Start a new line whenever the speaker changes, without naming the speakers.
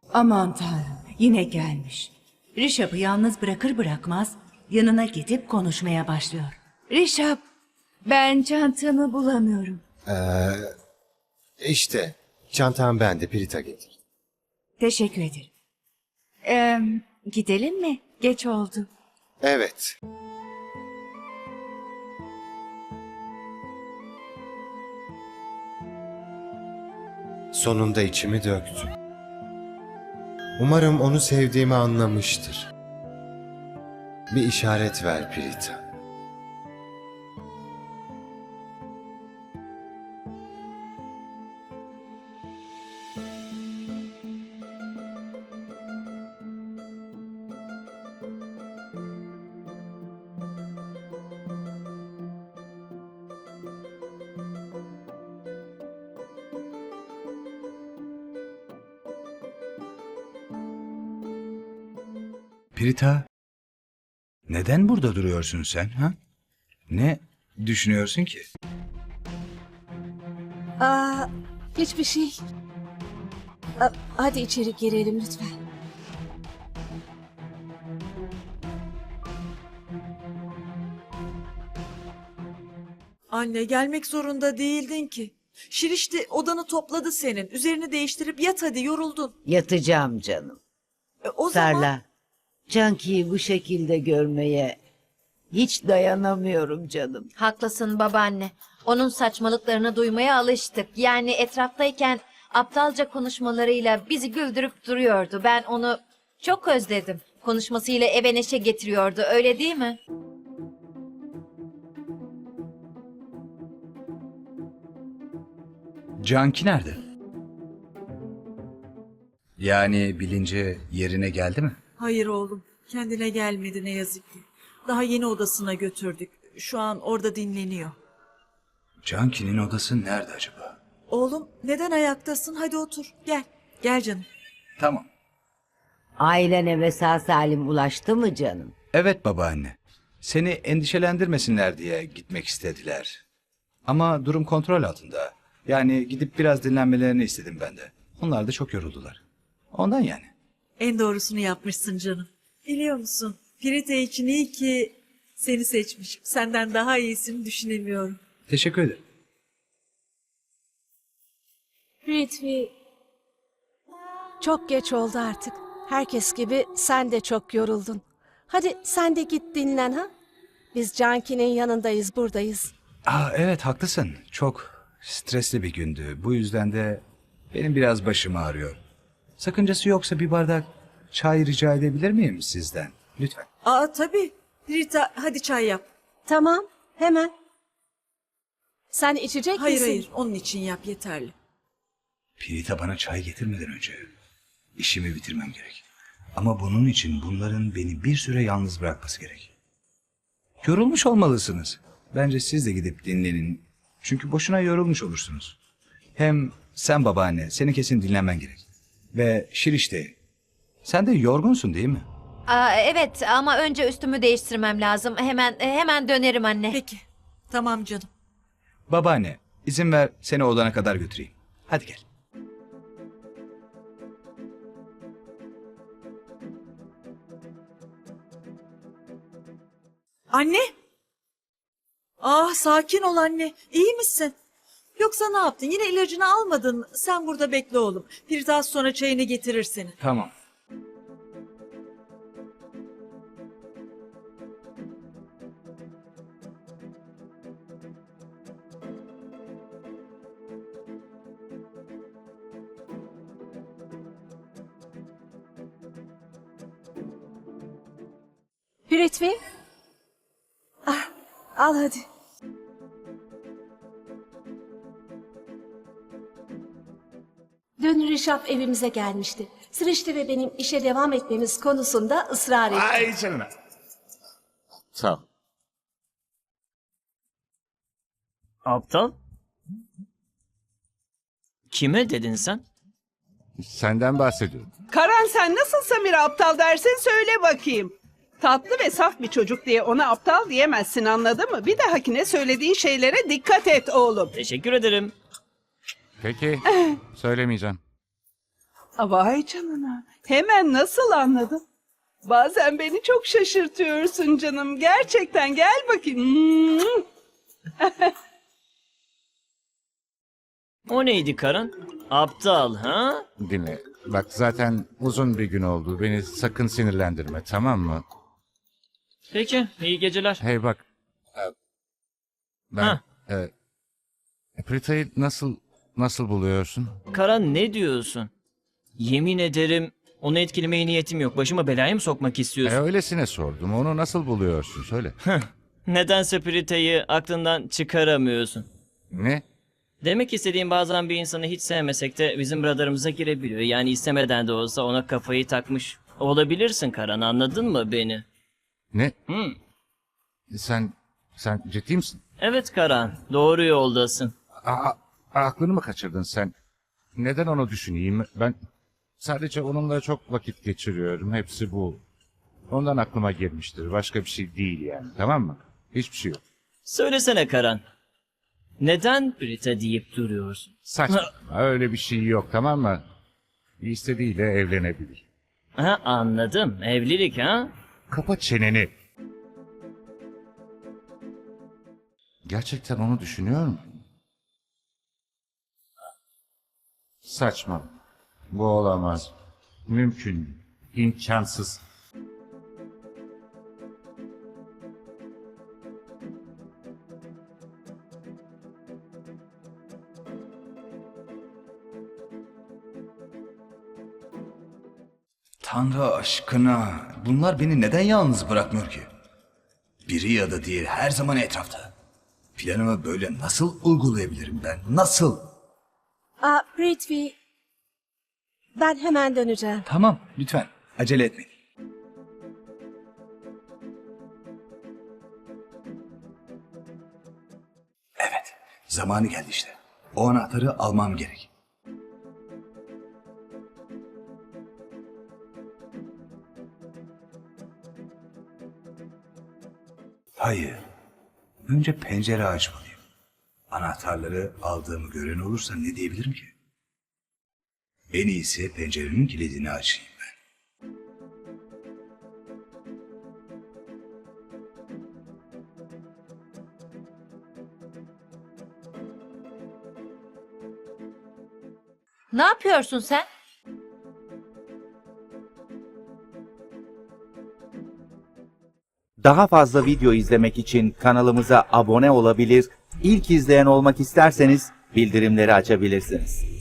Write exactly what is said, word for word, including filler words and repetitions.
Aman Tanrım, yine gelmiş. Rişap'ı yalnız bırakır bırakmaz yanına gidip konuşmaya başlıyor. Rişap, ben çantamı bulamıyorum.
İşte çantam bende, Pirita getir.
Teşekkür ederim. Ee, gidelim mi? Geç oldu.
Evet. Sonunda içimi döktüm. Umarım onu sevdiğimi anlamıştır. Bir işaret ver Pirita.
Pirita, neden burada duruyorsun sen ha? Ne düşünüyorsun ki?
Aa, hiçbir şey. Aa, hadi içeri girelim lütfen.
Anne gelmek zorunda değildin ki. Şirişti odanı topladı senin. Üzerini değiştirip yat hadi yoruldun.
Yatacağım canım.
E, o zaman
Sarla. Canki'yi bu şekilde görmeye hiç dayanamıyorum canım.
Haklısın babaanne. Onun saçmalıklarını duymaya alıştık. Yani etraftayken aptalca konuşmalarıyla bizi güldürüp duruyordu. Ben onu çok özledim. Konuşmasıyla eve neşe getiriyordu, öyle değil mi?
Canki nerede? Yani bilinci yerine geldi mi?
hayır oğlum kendine gelmedi ne yazık ki. Daha yeni odasına götürdük. Şu an orada dinleniyor.
Canki'nin odası nerede acaba?
Oğlum neden ayaktasın? Hadi otur gel. Gel canım.
Tamam.
Ailen eve sağ salim ulaştı mı canım?
Evet babaanne. Seni endişelendirmesinler diye gitmek istediler. Ama durum kontrol altında. Yani gidip biraz dinlenmelerini istedim ben de. Onlar da çok yoruldular. Ondan yani.
En doğrusunu yapmışsın canım. Biliyor musun? Pirita için iyi ki seni seçmişim. Senden daha iyisini düşünemiyorum.
Teşekkür ederim.
Ritvi, çok geç oldu artık. Herkes gibi sen de çok yoruldun. Hadi sen de git dinlen ha. Biz Canki'nin yanındayız, buradayız.
Aa, evet haklısın. Çok stresli bir gündü. Bu yüzden de benim biraz başım ağrıyor. Sakıncası yoksa bir bardak çay rica edebilir miyim sizden? Lütfen.
Aa tabii. Pirita hadi çay yap.
Tamam, hemen. Sen içecek
Hayır
misin?
hayır onun için yap yeterli.
Pirita bana çay getirmeden önce işimi bitirmem gerek. Ama bunun için bunların beni bir süre yalnız bırakması gerek. Yorulmuş olmalısınız. Bence siz de gidip dinlenin. Çünkü boşuna yorulmuş olursunuz. Hem sen babaanne, seni kesin dinlenmen gerek. Ve Şirişte, sen de yorgunsun değil mi?
Aa, evet ama önce üstümü değiştirmem lazım. Hemen hemen dönerim anne.
Peki. Tamam canım.
Babaanne, izin ver seni odana kadar götüreyim. Hadi gel.
Anne. Ah sakin ol anne. İyi misin? Yoksa ne yaptın? Yine ilacını almadın mı? Sen burada bekle oğlum. Pirita az sonra çayını getirir seni.
Tamam.
Ritvi. Ah, al hadi. Dün Rişap evimize gelmişti. Sırıştı ve benim işe devam etmemiz konusunda ısrar etti.
Ay canına. Sağ ol.
Aptal? Kime dedin sen?
Senden bahsediyorum.
Karan sen nasıl Samir'e aptal dersin söyle bakayım. Tatlı ve saf bir çocuk diye ona aptal diyemezsin anladın mı? Bir dahakine söylediğin şeylere dikkat et oğlum.
Teşekkür ederim.
Peki. Söylemeyeceğim.
Vay canına. Hemen nasıl anladın? Bazen beni çok şaşırtıyorsun canım. Gerçekten gel bakayım.
O neydi Karan? Aptal ha?
Dinle. Bak zaten uzun bir gün oldu. Beni sakın sinirlendirme, tamam mı?
Peki, iyi geceler.
Hey bak. e, Ben
Ha.
e, Prita'yı nasıl nasıl buluyorsun?
Karan ne diyorsun? Yemin ederim onu etkilemeye niyetim yok. Başıma belaya mı sokmak
E,
istiyorsun?
öylesine sordum. Onu nasıl buluyorsun? Söyle.
Nedense Prita'yı aklından çıkaramıyorsun.
Ne?
Demek istediğim bazen bir insanı hiç sevmesek de bizim radarımıza girebiliyor. Yani istemeden de olsa ona kafayı takmış olabilirsin Karan, anladın mı beni?
Ne?
Hı.
Sen sen ciddi misin?
Evet Karan, doğru yoldasın.
Aa, aklını mı kaçırdın sen? Neden onu düşüneyim? Ben sadece onunla çok vakit geçiriyorum. Hepsi bu. Ondan aklıma gelmiştir. Başka bir şey değil yani. Tamam mı? Hiçbir şey yok.
Söylesene Karan. Neden Prita deyip duruyorsun?
Saçma. Öyle bir şey yok, tamam mı? İstediğiyle evlenebilir.
Ha, anladım. Evlilik ha?
Kapa çeneni. Gerçekten onu düşünüyor musun? Saçma. Bu olamaz. Mümkün. İmkansız.
Tanrı aşkına, bunlar beni neden yalnız bırakmıyor ki? Biri ya da diğeri her zaman etrafta. Planımı böyle nasıl uygulayabilirim ben? Nasıl?
Aa, Prithvi, ben hemen döneceğim.
Tamam, lütfen acele etmeyin. Evet, zamanı geldi işte. O anahtarı almam gerek. Hayır. Önce pencere açmalıyım. Anahtarları aldığımı gören olursa ne diyebilirim ki? En iyisi pencerenin kilidini açayım ben.
Ne yapıyorsun sen?
Daha fazla video izlemek için kanalımıza abone olabilir, ilk izleyen olmak isterseniz bildirimleri açabilirsiniz.